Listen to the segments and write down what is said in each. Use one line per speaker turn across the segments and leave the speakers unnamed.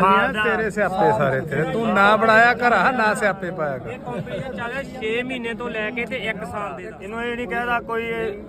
ਤੇਰੇ ਸਿਆਪੇ ਸਾਰੇ ਤੇਰੇ ਤੂੰ ਨਾ ਬਣਾਇਆ ਘਰਾ ਨਾ ਸਿਆਪੇ ਪਾਇਆ ਕਰ।
ਇਹ ਕੰਪੀਟੀਸ਼ਨ ਚੱਲਿਆ 6 ਮਹੀਨੇ ਤੋਂ ਲੈ ਕੇ ਤੇ 1 ਸਾਲ ਦੇ।
ਇਹਨੂੰ ਇਹ ਨਹੀਂ ਕਹਿਦਾ ਕੋਈ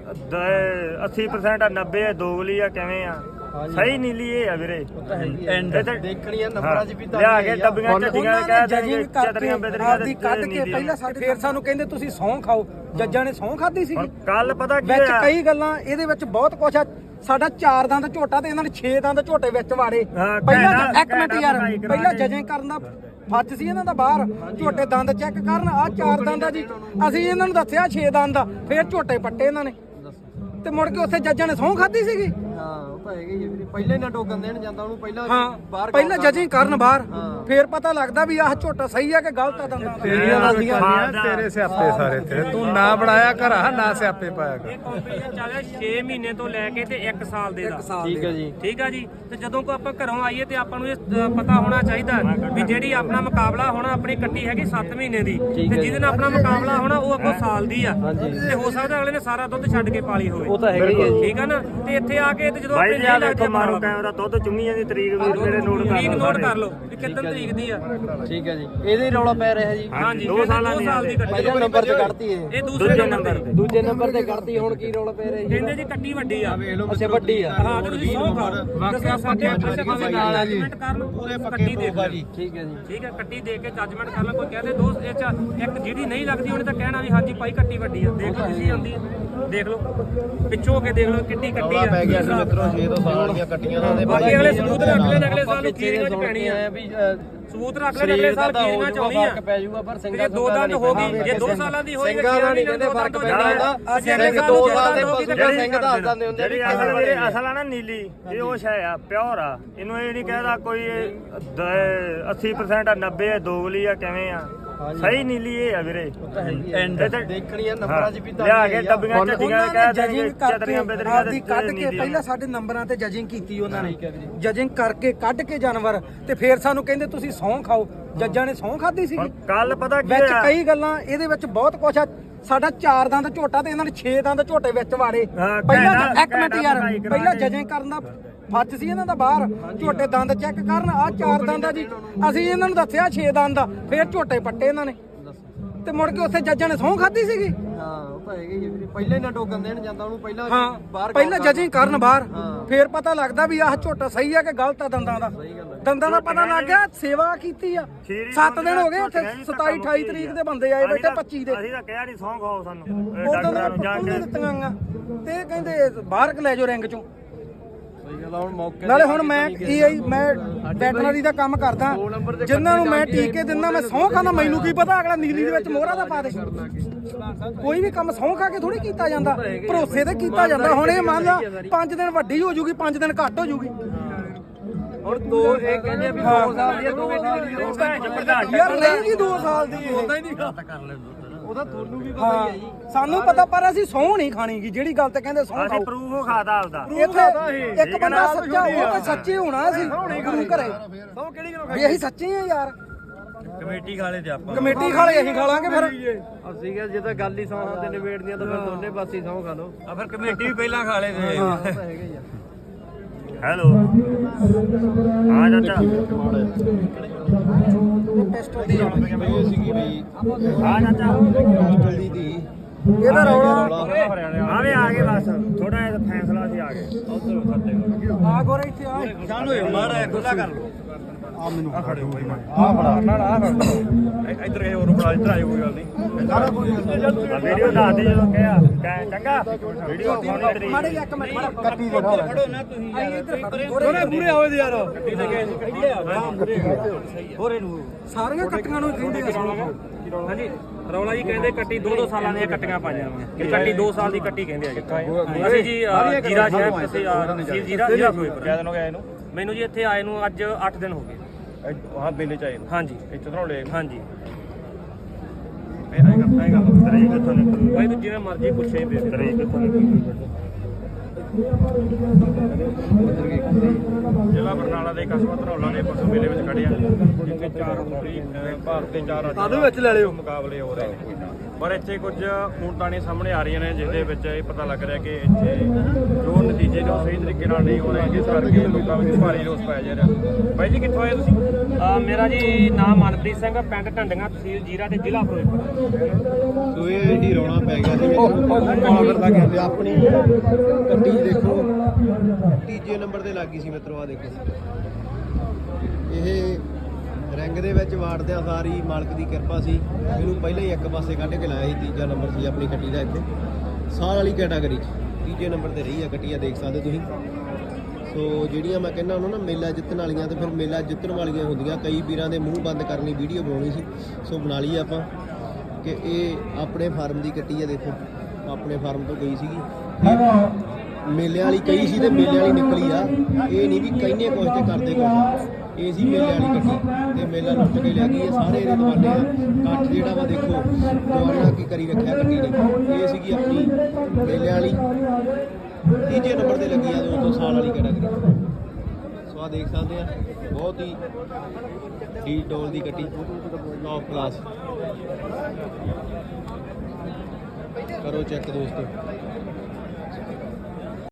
80% ਆ 90 ਦੋਗਲੀ ਆ ਕਿਵੇਂ ਆ ਸਹੀ ਨੀਲੀ ਇਹ ਆ ਵੀਰੇ
ਐਂਡ
ਦੇਖਣੀ ਆ ਨੰਬਰਾਂ 'ਚ ਵੀ ਤਾਂ
ਲਿਆ ਕੇ ਡੱਬੀਆਂ ਝੱਡੀਆਂ ਕਹਿ ਦੇਣਗੇ
ਜਜਿੰਗ
ਚਤਰੀਆਂ
ਕਰਕੇ
ਬੇਦਰੀਆਂ
ਆਪਦੀ ਕੱਢ ਕੇ ਪਹਿਲਾਂ ਸਾਡੇ ਫੇਰ ਸਾਨੂੰ ਕਹਿੰਦੇ ਤੁਸੀਂ ਸਹੁੰ ਖਾਓ। ਜੱਜਾਂ ਨੇ ਸਹੁੰ ਖਾਧੀ ਸੀਗੀ।
ਕੱਲ ਪਤਾ ਕੀ
ਵਿੱਚ
ਆ
ਕਈ ਗੱਲਾਂ ਇਹਦੇ ਵਿੱਚ ਬਹੁਤ ਕੁਛ ਆ। ਸਾਡਾ 4 ਦੰਦ ਝੋਟਾ ਤੇ ਇਹਨਾਂ ਨੇ 6 ਦੰਦ ਝੋਟੇ ਵਿੱਚ ਵਾੜੇ।
ਹਾਂ,
ਪਹਿਲਾਂ
ਘੈਂਟਾ-
ਇੱਕ ਮਿੰਟ ਯਾਰ,
ਘੈਂਟਾ ਬਣਾਈ
ਪਹਿਲਾਂ
ਕਰਾ
ਜਜਿੰਗ ਕਰਨ ਦਾ ਫੱਜ ਸੀ ਇਹਨਾਂ ਦਾ ਬਾਹਰ। ਝੋਟੇ ਦੰਦ ਚੈੱਕ ਕਰਨ, ਆਹ 4 ਦੰਦ ਆ ਜੀ। ਅਸੀਂ ਇਹਨਾਂ ਨੂੰ ਦੱਸਿਆ 6 ਦੰਦ ਆ, ਫੇਰ ਝੋਟੇ ਪੱਟੇ ਇਹਨਾਂ ਨੇ ਤੇ ਮੁੜ ਕੇ ਉੱਥੇ ਜੱਜਾਂ ਨੇ ਸਹੁੰ ਖਾਧੀ ਸੀਗੀ।
ਹਾਂ ਉਹ ਤਾਂ ਹੈਗਾ ਹੀ ਆ ਵੀਰੇ। ਪਹਿਲਾਂ ਹੀ ਨਾ ਟੋਕਨ ਦੇਣ ਜਾਂਦਾ ਉਹਨੂੰ ਪਹਿਲਾਂ
ਹਾਂ
ਬਾਹਰ
ਪਹਿਲਾਂ ਜਜਿੰਗ ਕਰਨ ਬਾਹਰ, ਫੇਰ ਪਤਾ ਲੱਗਦਾ ਵੀ ਆਹ ਝੋਟਾ ਸਹੀ ਆ ਕਿ ਗਲਤ ਆ ਦੰਦਾਂ ਦਾ।
ਤੇਰੇ ਸਿਆਪੇ ਸਾਰੇ ਤੇਰੇ ਤੂੰ ਨਾ ਬਣਾਇਆ ਘਰਾ ਨਾ ਸਿਆਪੇ ਪਾਇਆ ਕਰ।
ਇਹ ਕੰਪੀਟੀਸ਼ਨ ਚੱਲਿਆ 6 ਮਹੀਨੇ ਤੋਂ ਲੈ ਕੇ ਤੇ 1 ਸਾਲ ਦੇ ਦਾ।
ਠੀਕ ਹੈ ਜੀ।
ਠੀਕ ਆ ਜੀ। ਤੇ ਜਦੋਂ ਕੋ ਆਪਾਂ ਘਰੋਂ ਆਈਏ ਤੇ ਆਪਾਂ ਨੂੰ ਇਹ ਪਤਾ ਹੋਣਾ ਚਾਹੀਦਾ ਵੀ ਜਿਹੜੀ ਆਪਣਾ ਮੁਕਾਬਲਾ ਹੋਣਾ, ਆਪਣੀ ਕੱਟੀ ਹੈਗੀ 7 ਮਹੀਨੇ ਦੀ ਤੇ ਜਿਹਦੇ ਨਾਲ ਆਪਣਾ ਮੁਕਾਬਲਾ ਹੋਣਾ ਉਹ ਅੱਗੋਂ ਸਾਲ ਦੀ ਆ। ਤੇ ਹੋ ਸਕਦਾ ਅਗਲੇ ਨੇ ਸਾਰਾ ਦੁੱਧ ਛੱਡ ਕੇ ਪਾਲੀ ਹੋਵੇ।
ਉਹ ਤਾਂ ਹੈਗਾ ਹੀ ਆ ਜੀ।
ਠੀਕ ਆ ਨਾ। ਤੇ ਇੱਥੇ ਆ ਕੇ ਤੇ ਜਦੋਂ
ਭਾਈ ਜੀ ਆ
ਨਹੀਂ
ਦੇਖੋ ਮਾਰੋ ਕੈਮਰਾ ਦੁੱਧ ਚੁੰਗੀਆਂ ਦੀ ਤਰੀਕ ਵੀ ਮੇਰੇ ਨੋਟ ਕਰ
ਤਰੀਕ
ਲਓ
ਨੋਟ ਕਰ ਲਓ ਵੀ ਕਿੰਨੀ ਤਰੀਕ ਦੀ ਆ।
ਠੀਕ ਹੈ ਜੀ। ਇਹਦੇ ਹੀ ਰੌਲਾ ਪੈ ਰਿਹਾ ਜੀ।
ਹਾਂਜੀ
2 ਸਾਲਾਂ ਦੀ
ਸਾਲ ਦੀ ਕੱਟੀ।
ਪਹਿਲੇ ਨੰਬਰ 'ਚ ਕੱਢਤੀ ਇਹ,
ਇਹ ਦੂਸਰੇ ਨੰਬਰ ਤੇ।
ਦੂਜੇ ਨੰਬਰ ਤੇ ਕੱਢਤੀ। ਹੁਣ ਕੀ ਰੌਲਾ ਪੈ ਰਿਹਾ ਜੀ?
ਕਹਿੰਦੇ ਜੀ ਕੱਟੀ ਵੱਡੀ ਆ।
ਅੱਛਾ ਵੱਡੀ ਆ।
ਹਾਂ ਤੇ ਤੁਸੀਂ ਸੌ ਖਾਓ। ਦੱਸਿਆ ਸਾਡੇ ਨਾਲ ਆ ਜੀ। ਪੂਰੇ ਕੱਟੀ ਦੇਖ ਲਓ ਜੀ।
ਠੀਕ ਹੈ ਜੀ।
ਠੀਕ ਹੈ ਕੱਟੀ ਦੇ ਕੇ ਜੱਜਮੈਂਟ ਕਰ ਲਾ। ਕੋਈ ਕਹਦੇ ਦੋ ਇਹ ਚ ਇੱਕ ਜਿਹੜੀ ਨਹੀਂ ਲੱਗਦੀ ਉਹਨੇ ਤਾਂ ਕਹਿਣਾ ਵੀ ਹਾਂਜੀ ਭਾਈ ਕੱਟੀ ਵੱਡੀ ਆ। ਦੇਖ ਲਓ ਤੁਸੀਂ ਆਉਂਦੀ ਦੇਖ ਲਓ ਪਿੱਛੋਂ ਹੋ ਕੇ ਦੇਖ ਲਓ ਕਿੰਨੀ ਕੱਟੀ ਆ।
ਪੈ ਗਿਆ ਸੀ ਮਿੱਤਰੋ 6 ਤੋਂ ਸਾਲ ਦੀਆਂ ਕੱਟੀਆਂ ਨਾਲ
ਬਾਕੀ ਅਗਲੇ ਸਬੂਤ ਰੱਖ ਲੈਣ। ਅਗਲੇ ਸਾਲ ਨੂੰ ਖੀਰੀਆਂ ਚ ਪੈਣੀ ਆ।
ਵੀ
ਸਬੂਤ ਰੱਖ ਲੈਣ। ਅਗਲੇ ਸਾਲ ਖੀਰੀਆਂ ਚ ਆਉਣੀ ਆ।
ਫਰਕ ਪੈ ਜਾਊਗਾ ਪਰ
ਜੇ
ਸਿੰਘਾਂ
2 ਦੰਦ ਹੋ ਗਈ, ਜੇ 2 ਸਾਲਾਂ ਦੀ ਹੋਈ
ਸਿੰਘਾਂ ਦਾ ਨਹੀਂ ਕਹਿੰਦੇ ਫਰਕ ਪੈਂਦਾ।
ਅਸੀਂ ਅਗਲੇ ਸਾਲ
2
ਨੂੰ
ਸਾਲ ਦੇ
ਜਦੋਂ
ਪਸ਼ੂ ਦੇ ਸਿੰਘ ਦੱਸ ਦਿੰਦੇ ਹੁੰਦੇ
ਜਿਹੜੀ ਅਸਲ ਵੀਰੇ ਅਸਲ ਆ ਨਾ ਨੀਲੀ ਇਹ ਉਹ ਸ਼ੈ ਆ ਪਿਓਰ ਆ। ਇਹਨੂੰ ਇਹ ਨਹੀਂ ਕਹਿਦਾ ਕੋਈ 80% ਆ 90 ਦੋਗਲੀ ਆ ਕਿਵੇਂ ਆ ਸਹੀ ਨੀਲੀ ਇਹ ਆ ਵੀਰੇ
ਐਂਡ
ਦੇਖਣੀ ਆ ਨੰਬਰਾਂ 'ਚ ਵੀ ਤਾਂ
ਲਿਆ ਕੇ ਡੱਬੀਆਂ ਝੱਡੀਆਂ ਕਹਿ ਦੇਣਗੇ
ਜਜਿੰਗ ਕਰਕੇ
ਚਤਰੀਆਂ ਬੇਦਰੀਆਂ
ਆਪਦੀ ਕੱਢ ਕੇ ਪਹਿਲਾਂ ਸਾਡੇ ਨੰਬਰਾਂ ਤੇ ਜਜਿੰਗ ਕੀਤੀ ਉਹਨਾਂ ਨੇ। ਜਜਿੰਗ ਕਰਕੇ ਕੱਢ ਕੇ ਜਾਨਵਰ ਤੇ ਫੇਰ ਸਾਨੂੰ ਕਹਿੰਦੇ ਤੁਸੀਂ ਸਹੁੰ ਖਾਓ। ਜੱਜਾਂ ਨੇ ਸਹੁੰ ਖਾਧੀ ਸੀਗੀ।
ਕੱਲ ਪਤਾ ਕੀ
ਵਿੱਚ
ਆ
ਕਈ ਗੱਲਾਂ ਇਹਦੇ ਵਿੱਚ ਬਹੁਤ ਕੁਛ ਆ। ਸਾਡਾ 4 ਦੰਦ ਝੋਟਾ ਤੇ ਇਹਨਾਂ ਨੇ 6 ਦੰਦ ਝੋਟੇ ਵਿੱਚ ਵਾੜੇ।
ਹਾਂ,
ਪਹਿਲਾਂ
ਘੈਂਟਾ-
ਇੱਕ ਮਿੰਟ ਯਾਰ,
ਬਣਾਈ ਕਰਾ
ਪਹਿਲਾਂ
ਕੇ।
ਜਜਿੰਗ ਕਰਨ ਦਾ ਫੱਜ ਸੀ ਇਹਨਾਂ ਦਾ ਬਾਹਰ। ਝੋਟੇ ਦੰਦ ਚੈੱਕ ਕਰਨ, ਆਹ 4 ਦੰਦ ਆ ਜੀ। ਅਸੀਂ ਇਹਨਾਂ ਨੂੰ ਦੱਸਿਆ 6 ਦੰਦ ਆ, ਫੇਰ ਝੋਟੇ ਪੱਟੇ ਇਹਨਾਂ ਨੇ ਤੇ ਮੁੜ ਕੇ ਉੱਥੇ ਜੱਜਾਂ ਨੇ ਸਹੁੰ ਖਾਧੀ ਸੀਗੀ।
ਹਾਂ ਉਹ ਤਾਂ ਹੈਗਾ ਹੀ ਆ ਵੀਰੇ। ਪਹਿਲਾਂ ਹੀ ਨਾ ਟੋਕਨ ਦੇਣ ਜਾਂਦਾ ਉਹਨੂੰ ਪਹਿਲਾਂ
ਹਾਂ
ਬਾਹਰ
ਪਹਿਲਾਂ ਜਜਿੰਗ ਕਰਨ ਬਾਹਰ, ਫੇਰ ਪਤਾ ਲੱਗਦਾ ਵੀ ਆਹ ਝੋਟਾ ਸਹੀ ਆ ਕਿ ਗਲਤ ਆ ਦੰਦਾਂ ਦਾ। ਦੰਦਾਂ ਦਾ ਪਤਾ ਲੱਗ ਗਿਆ। ਸੇਵਾ ਕੀਤੀ ਆ 7 ਦਿਨ ਹੋ ਗਏ ਉੱਥੇ। 27 28 ਤਰੀਕ ਦੇ ਬੰਦੇ ਆਏ ਬੈਠੇ 25 ਦੇ।
ਅਸੀਂ ਤਾਂ ਕਿਹਾ ਨਹੀਂ ਸੌਂ ਖਾਓ ਸਾਨੂੰ ਇਹ
ਉਦੋਂ
ਡਾਕਟਰਾਂ
ਤਾਂ
ਨੂੰ ਜਾ
ਪੱਟੂ
ਕੇ
ਨੇ ਦਿੱਤੀਆਂ ਆਂ ਤੇ ਇਹ ਕਹਿੰਦੇ ਬਾਹਰ ਲੈ ਜਾਓ ਰਿੰਗ ਚੋਂ।
ਸਹੀ ਗੱਲ ਆ। ਹੁਣ ਮੌਕੇ
ਨਾਲੇ ਹੁਣ ਮੈਂ ਮੈਂ ਵੈਟਰਨਰੀ ਦਾ ਕੰਮ ਕਰਦਾ। ਜਿਨ੍ਹਾਂ ਨੂੰ ਮੈਂ ਟੀਕੇ ਦਿੰਦਾ ਮੈਂ ਸਹੁੰ ਖਾਂਦਾ। ਮੈਨੂੰ ਕੀ ਪਤਾ ਅਗਲਾ ਨੀਲੀ ਦੇ ਵਿੱਚ ਮੋਹਰਾ ਦਾ ਪਾ ਦੇ। ਕੋਈ ਵੀ ਕੰਮ ਸਹੁੰ ਖਾ ਕੇ ਥੋੜੀ ਕੀਤਾ ਜਾਂਦਾ, ਭਰੋਸੇ ਤੇ ਕੀਤਾ ਜਾਂਦਾ। ਹੁਣ ਇਹ ਮੰਨ ਲਾ 5 ਦਿਨ ਵੱਡੀ ਹੋ ਜੂਗੀ, 5 ਦਿਨ ਘੱਟ ਹੋ ਜੂਗੀ।
ਹੁਣ 2 ਇਹ ਕਹਿੰਦੇ ਵੀ 2 ਸਾਲ ਦੀ 2 ਸਾਲ ਦੀ
ਯਾਰ ਨਹੀਂ ਜੀ 2 ਸਾਲ ਦੀ ਹੁੰਦਾ ਹੀ ਨਹੀਂ।
ਉਹਦਾ ਤੁਹਾਨੂੰ ਵੀ ਪਤਾ ਹੀ ਹੈ ਜੀ।
ਸਾਨੂੰ ਪਤਾ ਪਰ ਅਸੀਂ ਸਹੁੰ ਨਹੀਂ ਖਾਣੀਗੀ। ਜਿਹੜੀ ਗੱਲ ਤੇ ਕਹਿੰਦੇ ਸਹੁੰ
ਅਸੀਂ
ਖਾਓ।
ਪ੍ਰੂਫ ਖਾਦਾ ਆਪਦਾ
ਇੱਥੇ ਇੱਕ ਬੰਦਾ ਸੱਚਾ, ਉਹ ਤਾਂ ਸੱਚੇ ਹੋਣਾ ਸੀ ਗੁਰੂ ਘਰੇ ਵੀ ਅਸੀਂ ਸੱਚੇ ਆ ਯਾਰ।
ਕਮੇਟੀ ਖਾਲੇ ਤੇ ਆਪਾਂ
ਕਮੇਟੀ ਖਾਲੇ ਅਸੀਂ ਖਾ ਲਾਂਗੇ ਫਿਰ।
ਅਸੀਂ ਕਿਹਾ ਜੇ ਤਾਂ ਗੱਲ ਹੀ ਸੌਹਾਂ ਤੇ ਨਿਬੇੜਦੀਆਂ ਤਾਂ ਫਿਰ ਦੋਨੇ ਪਾਸੇ ਸਹੁੰ ਖਾ ਲਓ।
ਆ ਫਿਰ ਕਮੇਟੀ ਵੀ ਪਹਿਲਾਂ ਖਾਲੇ ਤੇ
ਉਹ ਤਾਂ ਹੈਗਾ ਹੀ ਆ।
ਹੈਲੋ ਹਾਂ ਚਾਚਾ
ਟੈਸਟ ਹੁੰਦੀ ਆ
ਹਾਂ ਚਾਚਾ
ਇਹਦਾ ਰੌਲਾ
ਆਵੇ ਆ ਗਏ ਬਸ ਥੋੜਾ ਜਿਹਾ ਫੈਸਲਾ ਸੀ ਆ ਗਏ
ਆ ਗੋਰੇ ਇੱਥੇ ਆ
ਸਾਨੂੰ ਮਾੜਾ ਖੁੱਲਾ ਕਰ ਲੋ ਆ ਮੈਨੂੰ ਆ ਖੜੇ ਹੋਈ ਇੱਧਰ ਇਹ ਹੋਰ ਬੜਾ ਇੱਧਰ ਆਇਓ ਕੋਈ ਗੱਲ ਨਹੀਂ ਸਾਰਾ ਕੁਝ
ਵੀਡੀਓ ਦੱਸ ਦੇ ਜਦੋਂ ਕਿਹਾ ਚੰਗਾ ਵੀਡੀਓ ਫੋਨ ਤੇਰੀ
ਮਾੜੇ ਇੱਕ ਮਿੰਟ ਕੱਟੀ ਦੇ
ਖੜੋ ਨਾ ਤੁਸੀਂ
ਆਈ ਇੱਧਰ
ਦੋਨੇ ਮੂਰੇ ਆਵੇ ਤੇ ਯਾਰ ਗੱਡੀ ਤੇ ਗਏ ਸੀ ਕੱਢੀ ਆ ਹੋਰੇ ਨੂੰ
ਸਾਰੀਆਂ ਕੱਟੀਆਂ ਨੂੰ ਕਹਿੰਦੇ ਆ ਸਹੁੰ।
ਹਾਂਜੀ ਰੌਲਾ ਜੀ ਕਹਿੰਦੇ ਕੱਟੀ 2-2 ਸਾਲਾਂ ਦੀਆਂ ਕੱਟੀਆਂ ਪਾਈਆਂ ਹੋਈਆਂ। ਇਹ ਕੱਟੀ 2 ਸਾਲ ਦੀ ਕੱਟੀ ਕਹਿੰਦੇ ਆ ਜੀ। ਅਸੀਂ ਜੀ ਜੀਰਾ ਸ਼ਹਿਰ ਅਸੀਂ ਤਹਿਸੀਲ ਜੀਰਾ ਫਿਰੋਜ਼ਪੁਰ।
ਕਿਆ ਦਿਨ ਹੋ ਗਿਆ ਇਹਨੂੰ
ਮੈਨੂੰ ਜੀ ਇੱਥੇ ਆਏ ਨੂੰ ਅੱਜ 8 ਦਿਨ ਹੋ ਗਏ।
ਹਾਂ ਮੇਲੇ ਚ ਆਏ ਨੂੰ
ਹਾਂਜੀ
ਇੱਥੇ ਤੋਂ ਲੈ
ਹਾਂਜੀ
ਮੈਂ ਆਏਗਾ
ਤਰੀਕ ਕਿੱਥੋਂ ਨਿਕਲੀ
ਭਾਈ ਤੂੰ ਜਿਵੇਂ ਮਰਜ਼ੀ ਪੁੱਛੇ ਦੇ
ਤਰੀਕ ਕਿੱਥੋਂ ਨਿਕਲੀ
ਜ਼ਿਲ੍ਹਾ ਬਰਨਾਲਾ ਦੇ ਕਸਬਾ ਧਨੌਲਾ ਦੇ ਪਸ਼ੂ ਮੇਲੇ ਵਿੱਚ
ਖੜੇ ਆ ਜਿੱਥੇ 4 ਪੂਰੀ ਭਾਰਤ ਦੇ 4
ਆਲੂ ਵਿੱਚ ਲੈ ਲਿਓ
ਮੁਕਾਬਲੇ ਹੋ ਰਹੇ ਨੇ ਪਰ ਇੱਥੇ ਕੁਝ ਖੂਨਦਾਨੀ ਸਾਹਮਣੇ ਆ ਰਹੀਆਂ ਨੇ ਜਿਸ ਦੇ ਵਿੱਚ ਇਹ ਪਤਾ ਲੱਗ ਰਿਹਾ ਕਿ ਇੱਥੇ ਜੋ ਨਤੀਜੇ ਨੇ ਉਹ ਸਹੀ ਤਰੀਕੇ ਨਾਲ ਨਹੀਂ ਹੋ ਰਹੇ ਜਿਸ ਕਰਕੇ ਲੋਕਾਂ ਵਿੱਚ ਭਾਰੀ ਰੋਸ ਪਾਇਆ ਜਾ ਰਿਹਾ। ਬਾਈ ਜੀ ਕਿੱਥੋਂ ਆਏ ਤੁਸੀਂ?
ਮੇਰਾ ਜੀ ਨਾਮ ਮਨਪ੍ਰੀਤ ਸਿੰਘ, ਪਿੰਡ ਢੰਡੀਆਂ, ਤਹਿਸੀਲ ਜੀਰਾ ਤੇ ਜ਼ਿਲ੍ਹਾ ਫਿਰੋਜ਼ਪੁਰ।
ਸੋ ਇਹ ਹੀ ਰੌਣਾ ਪੈ ਗਿਆ ਸੀ ਵਿੱਚ ਆਪਣੀ ਗੱਡੀ ਦੇਖੋ ਤੀਜੇ ਨੰਬਰ ਤੇ ਲੱਗੀ ਸੀ ਮਿੱਤਰੋ। ਆ ਦੇਖੋ ਇਹ ਰਿੰਗ ਦੇ ਵਿੱਚ ਵਾੜਦਿਆਂ ਸਾਰੀ ਮਾਲਕ ਦੀ ਕਿਰਪਾ ਸੀ, ਇਹਨੂੰ ਪਹਿਲਾਂ ਹੀ ਇੱਕ ਪਾਸੇ ਕੱਢ ਕੇ ਲਾਇਆ ਸੀ। ਤੀਜਾ ਨੰਬਰ ਸੀ ਆਪਣੀ ਗੱਡੀ ਦਾ ਇੱਥੇ ਸਾਲ ਵਾਲੀ ਕੈਟਾਗਰੀ 'ਚ ਤੀਜੇ ਨੰਬਰ ਤੇ ਰਹੀ ਆ ਗੱਡੀ, ਆ ਦੇਖ ਸਕਦੇ ਤੁਸੀਂ। ਸੋ ਜਿਹੜੀਆਂ ਮੈਂ ਕਹਿੰਦਾ ਉਹਨਾਂ ਨੂੰ ਮੇਲਾ ਜਿੱਤਣ ਵਾਲੀਆਂ ਤੇ ਫਿਰ ਮੇਲਾ ਜਿੱਤਣ ਵਾਲੀਆਂ ਹੁੰਦੀਆਂ, ਕਈ ਵੀਰਾਂ ਦੇ ਮੂੰਹ ਬੰਦ ਕਰਨ ਲਈ ਵੀਡੀਓ ਬਣਾਉਣੀ ਸੀ, ਸੋ ਬਣਾ ਲਈ ਆਪਾਂ ਕਿ ਇਹ ਆਪਣੇ ਫਾਰਮ ਦੀ ਕੱਟੀ ਆ। ਦੇਖੋ ਆਪਣੇ ਫਾਰਮ ਤੋਂ ਗਈ ਸੀਗੀ, ਮੇਲਿਆਂ ਵਾਲੀ ਕਈ ਸੀ ਤੇ ਮੇਲੇ ਵਾਲੀ ਨਿਕਲੀ ਆ। ਇਹ ਨਹੀਂ ਵੀ ਕਹਿੰਦੇ ਕੁਝ ਤੇ ਕਰਦੇ ਕੁਝ, ਇਹ ਸੀ ਮੇਲੇ ਵਾਲੀ ਕੱਟੀ ਤੇ ਮੇਲਾ ਲੁੱਟ ਕੇ ਲੈ ਗਈ। ਇਹ ਸਾਰੇ ਇਹਦੇ ਦਵਾਨੇ ਆ। ਕੱਠ ਜਿਹੜਾ ਵਾ ਦੇਖੋ ਦਵਾਨਾ ਕੀ ਕਰੀ ਰੱਖਿਆ ਕੱਟੀ ਨੇ। ਇਹ ਸੀਗੀ ਆਪਣੀ ਮੇਲਿਆਂ ਵਾਲੀ, ਤੀਜੇ ਨੰਬਰ ਤੇ ਲੱਗੀ ਆ 2 ਸਾਲ ਵਾਲੀ ਕੈਟਾਗਰੀ। ਸੋ ਆ ਦੇਖ ਸਕਦੇ ਆ ਬਹੁਤ ਹੀ ਡੀ ਡੋਲ ਦੀ ਕੱਟੀ, ਟੌਪ ਕਲਾਸ। ਕਰੋ ਚੈੱਕ ਦੋਸਤੋ।